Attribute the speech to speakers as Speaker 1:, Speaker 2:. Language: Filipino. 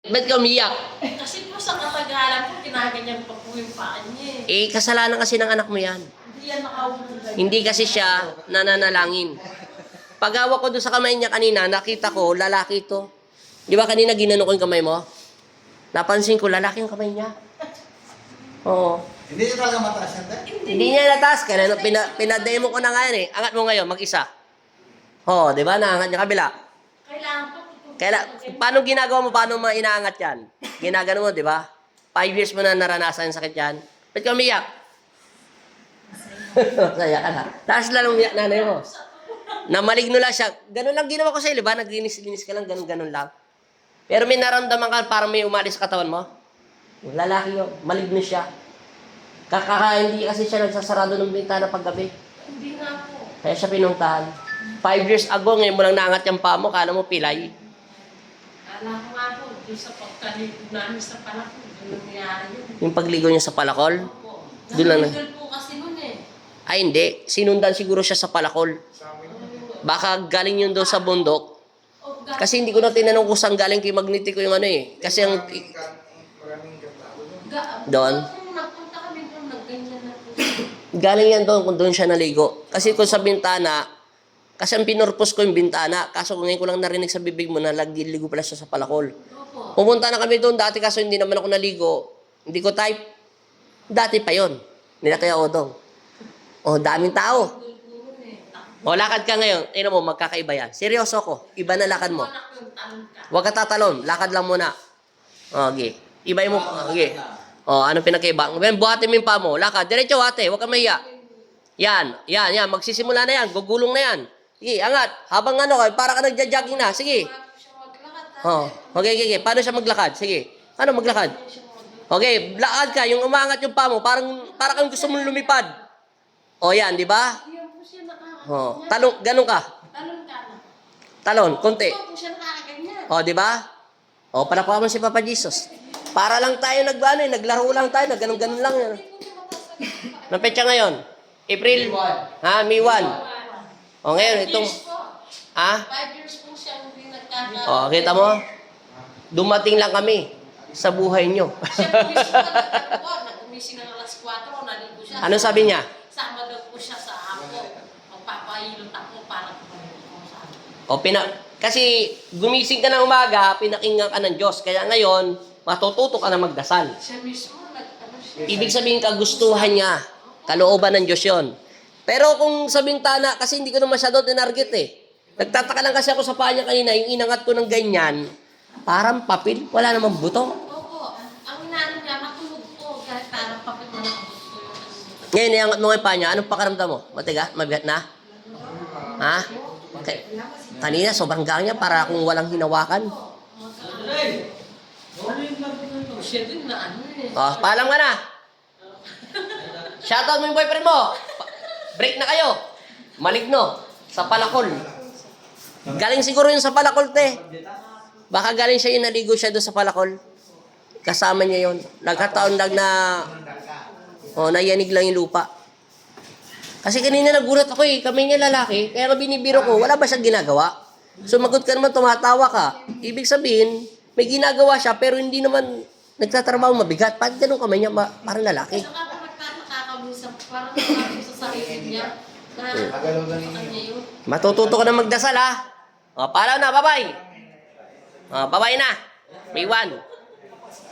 Speaker 1: Ba't ka umiyak?
Speaker 2: Kasi po sa katagalan po, kinaganyan pa po yung paa niya eh.
Speaker 1: Kasalanan kasi ng anak mo yan.
Speaker 2: Hindi yan nakaupo.
Speaker 1: Hindi kasi siya nananalangin. Pag-hawak ko doon sa kamay niya kanina, nakita ko, lalaki ito. Di ba kanina ginano ko yung kamay mo? Napansin ko, lalaki yung kamay niya. Oo.
Speaker 3: Hindi niya talaga mataas yan, te?
Speaker 1: Hindi niya nataas. Kaya pinademo ko na nga yan eh. Angat mo ngayon, mag-isa. Oo, di ba? Naangat niya kabila.
Speaker 2: Kailangan po.
Speaker 1: Paano ginagawa mo? Paano mo inaangat yan? Ginagano mo, di ba? 5 years mo na naranasan yung sakit yan. Ba't ka umiyak? Masaya ka na. Tapos lang umiyak nanay mo. Na maligno lang siya. Ganun lang ginawa ko sa'yo, di ba? Naglinis-linis ka lang, ganun lang. Pero may naramdaman ka, parang may umalis sa katawan mo. Lalaki yun, maligno siya. Hindi kasi siya nagsasarado ng bintana paggabi.
Speaker 2: Hindi nga po.
Speaker 1: Kaya siya pinuntahan. 5 years ago, ngayon mo lang naangat yung paa mo, kala mo pilay.
Speaker 2: Alam ko nga po, doon sa pagkaligo namin sa palako, doon nangyari yun.
Speaker 1: Yung pagligo niya sa palakol.
Speaker 2: Opo.
Speaker 1: Doon lang na.
Speaker 2: Nahulog po kasi nun eh.
Speaker 1: Ay, hindi. Sinundan siguro siya sa palakol. Baka galing yun doon sa bundok. Kasi hindi ko na tinanong kung saan galing kay Magneti ko yung ano eh. Kasi ang... Doon?
Speaker 2: Kung nagpunta kami doon, nagganyan na po.
Speaker 1: Galing yan doon kung doon siya naligo. Kasi kung sa bintana, kasi ang pinurpose ko yung bintana. Kaso ngayon ko lang narinig sa bibig mo na ligo pala siya sa palakol.
Speaker 2: Opo.
Speaker 1: Pumunta na kami doon dati kaso hindi naman ako naligo. Hindi ko type. Dati pa yon. Nila kaya Odong. Oh, daming tao. O, lakad ka ngayon. Tingnan mo, magkakaiba yan. Seryoso ko. Iba na lakad mo. Huwag ka tatalon. Lakad lang muna. Okay. Ibay mo. Okay. O, anong pinakaiba? Buhatin mo yung paa mo. Lakad. Diretso, ate. Huwag ka mahiya. Yan. Magsisimula na yan. Gugulong na yan. Sige, angat. Habang para ka nagja-jogging na. Sige. Oh, okay. Paano siya maglakad? Sige. Paano maglakad? Okay, lakad ka. Yung umangat yung paa mo, parang kang gusto mong lumipad. O, yan, di ba? Oh, ganun ka.
Speaker 2: Talon ka na.
Speaker 1: Talon, konti.
Speaker 2: Opo siya nakakaganyan.
Speaker 1: O, di ba? O, palakpakan mo si Papa Jesus. Para lang tayo naglaro lang tayo, ganun lang yan. Anong petsa ngayon? April? Ha, May 1. O, ngayon, itong...
Speaker 2: 5 years po siya hindi nagkaka...
Speaker 1: O, kita mo? Dumating lang kami sa buhay nyo.
Speaker 2: Siya po mismo nag-umising ng alas 4, naligo siya.
Speaker 1: Ano sabi niya?
Speaker 2: Sama daw po siya sa ako. Magpapahilot ako para kumaligo ko sa ako.
Speaker 1: O, kasi gumising ka ng umaga, pinakinggan ka ng Diyos. Kaya ngayon, matututo ka na magdasal.
Speaker 2: Siya mismo nag-ano siya.
Speaker 1: Ibig sabihin, kagustuhan niya. Kalooban ng Diyos yun. Pero kung sa bintana, kasi hindi ko na masyado tinarget eh. Nagtataka lang kasi ako sa paa niya kanina, yung inangat ko ng ganyan, parang papel, wala namang buto.
Speaker 2: Opo. Ang inaano niya, matulog po. Kahit parang papit na nakabuto yung ano.
Speaker 1: Ngayon, iangat mo nga yung paa niya, anong pakaramdam mo? Matiga? Mabigat na? Ha? Okay. Kanina, sobrang gaan niya para kung walang hinawakan.
Speaker 2: Siya din na ano eh.
Speaker 1: O, paalam ka na. Shoutout mo yung boyfriend mo. Break na kayo. Maligno. Sa palakol. Galing siguro yun sa palakol, te. Baka galing siya yung naligo siya doon sa palakol. Kasama niya yun. Nagkataon lang na nayanig lang yung lupa. Kasi kanina nagulat ako eh. Kami niya lalaki. Kaya nga binibiro ko, wala ba siyang ginagawa? Sumagot ka naman, tumatawa ka. Ibig sabihin, may ginagawa siya pero hindi naman nagtatrabaho mabigat. Bakit ganun kamay niya? Parang lalaki.
Speaker 2: Saka po nagtataka parang nakakabisa sa sarili niya. Na sa kanya yun.
Speaker 1: Matututo ka na magdasal, ha? O, paalam na, bye-bye. O, bye-bye na. May 1.